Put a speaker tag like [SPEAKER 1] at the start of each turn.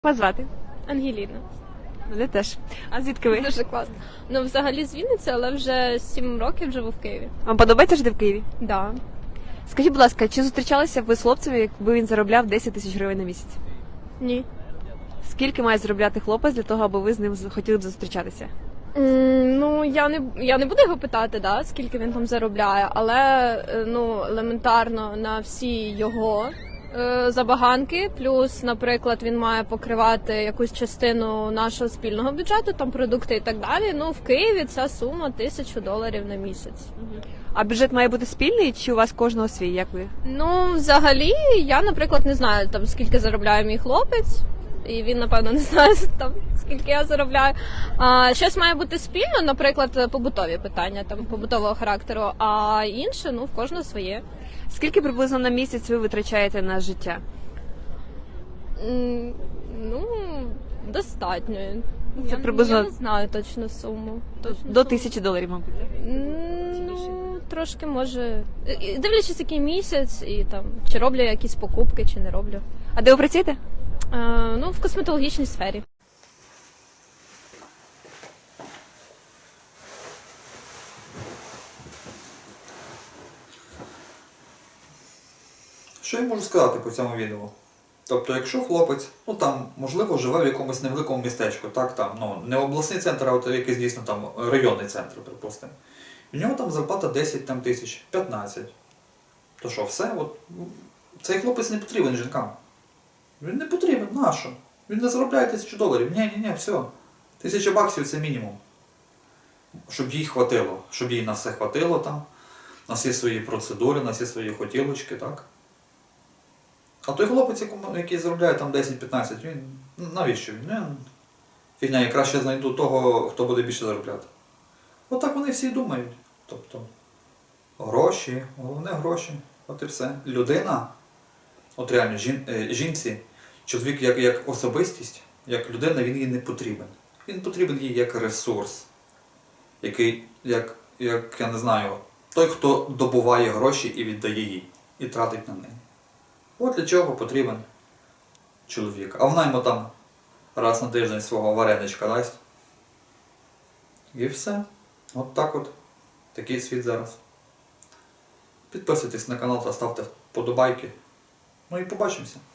[SPEAKER 1] Вас звати?
[SPEAKER 2] Ангеліна.
[SPEAKER 1] Мене теж. А звідки ви?
[SPEAKER 2] Дуже класно. Ну, взагалі з Вінниці, але вже 7 років живу в Києві.
[SPEAKER 1] Вам подобається жити в Києві?
[SPEAKER 2] Да.
[SPEAKER 1] Скажіть, будь ласка, чи зустрічалися б ви з хлопцем, якби він заробляв 10 тисяч гривень на місяць?
[SPEAKER 2] Ні.
[SPEAKER 1] Скільки має заробляти хлопець для того, аби ви з ним хотіли б зустрічатися?
[SPEAKER 2] Ну, я не буду його питати, да, скільки він там заробляє, але ну, елементарно на всі його забаганки, плюс, наприклад, він має покривати якусь частину нашого спільного бюджету, там продукти і так далі. Ну, в Києві ця сума $1000 на місяць.
[SPEAKER 1] А бюджет має бути спільний, чи у вас кожного свій, як ви?
[SPEAKER 2] Ну, взагалі, я, наприклад, не знаю, там, скільки заробляє мій хлопець, і він, напевно, не знає, там, скільки я заробляю. Щось має бути спільно, наприклад, побутові питання, там, побутового характеру, а інше, ну, в кожного своє.
[SPEAKER 1] Скільки приблизно на місяць ви витрачаєте на життя?
[SPEAKER 2] Ну, достатньо.
[SPEAKER 1] Це приблизно-
[SPEAKER 2] Я не знаю точну суму.
[SPEAKER 1] До $1000, мабуть.
[SPEAKER 2] Ну, трошки може. Дивлячись, який місяць, і там, чи роблю я якісь покупки, чи не роблю.
[SPEAKER 1] А де ви працюєте?
[SPEAKER 2] Ну, в косметологічній сфері.
[SPEAKER 3] Що я можу сказати по цьому відео? Тобто, якщо хлопець, ну там, можливо, живе в якомусь невеликому містечку, так, там, ну, не обласний центр, а от якийсь дійсно там районний центр, припустимо. В нього там зарплата 10 там, тисяч, 15. То що, все? От, цей хлопець не потрібен жінкам. Він не потрібен, нащо? Він не заробляє $1000. Ні, все. $1000 це мінімум. Щоб їй хватило, щоб їй на все хватило там, на всі свої процедури, на всі свої хотілочки, так? А той хлопець, який заробляє там 10-15, він навіщо він? Фігня, я краще знайду того, хто буде більше заробляти. Отак вони всі думають. Тобто, гроші, головне гроші, от і все. Людина, от реально, жінці, чоловік як особистість, як людина, він їй не потрібен. Він потрібен їй як ресурс, який, як я не знаю, той, хто добуває гроші і віддає їй, і тратить на неї. От для чого потрібен чоловік. А вона йому там раз на тиждень свого вареничка дасть. І все. От так от. Такий світ зараз. Підписуйтесь на канал та ставте вподобайки. Ну і побачимося.